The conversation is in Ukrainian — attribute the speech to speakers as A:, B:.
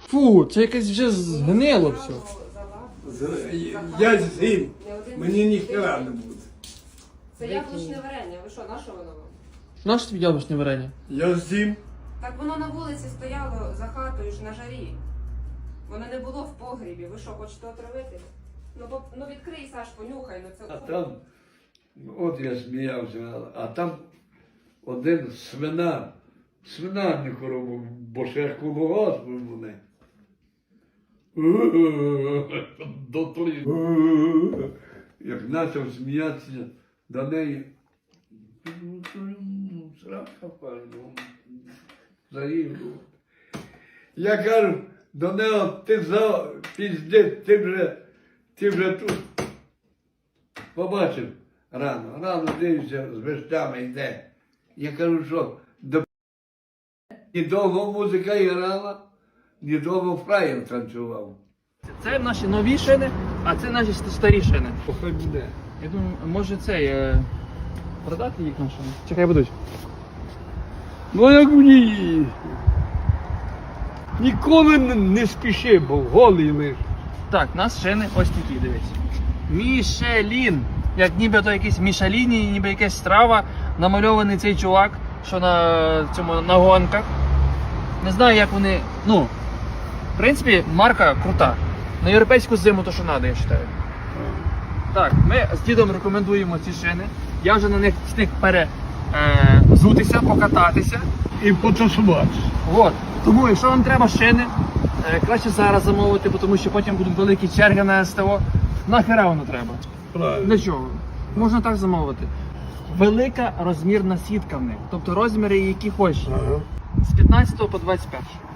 A: Фу, це якесь вже згнило все.
B: Я з'їм, мені ніхера не буде.
C: Це яблучне варення. Ви що, на що воно вам?
A: Нащо тобі яблучне варення?
B: Я з'їм.
C: Так воно на вулиці стояло за хатою ж на жарі. Воно не було в погрібі. Ви що, хочете отравити? Ну відкрий, Саш, понюхай. Ну
D: А
C: це...
D: там, от я сміявся, а там один свинарник робив, бо ще колгосп вони. Дотлі. Як почав сміятися до неї, срака пальну, заїду. Я кажу до нього, ти піздець, ти вже тут. Побачив рано дивився, з вещами йде. Я кажу, що ні довго музика грала, ні довго фраєр танцював.
A: Це наші нові шини, а це наші старі шини.
D: Хай буде.
A: Я думаю, може цей продати їх на шини? Чекай, будуть.
D: Ну як мені? Ніколи не спіши, бо голий лиш.
A: Так, у нас шини ось такі, дивись. Мішелін. Як нібито якийсь Мішеліні, ніби якась страва. Намальований цей чувак, що на гонках. Не знаю, як вони. Ну, в принципі, марка крута. На європейську зиму то, що треба, я вважаю. Так, ми з дідом рекомендуємо ці шини. Я вже на них встиг взутися, покататися.
D: І потусувати.
A: От. Тому, якщо вам треба шини, краще зараз замовити, тому що потім будуть великі черги на СТО. Нахера воно треба?
D: Правильно.
A: Для чого? Можна так замовити. Велика розмірна сітка в них. Тобто розміри, які хочеш.
D: Ага.
A: З 15 по 21.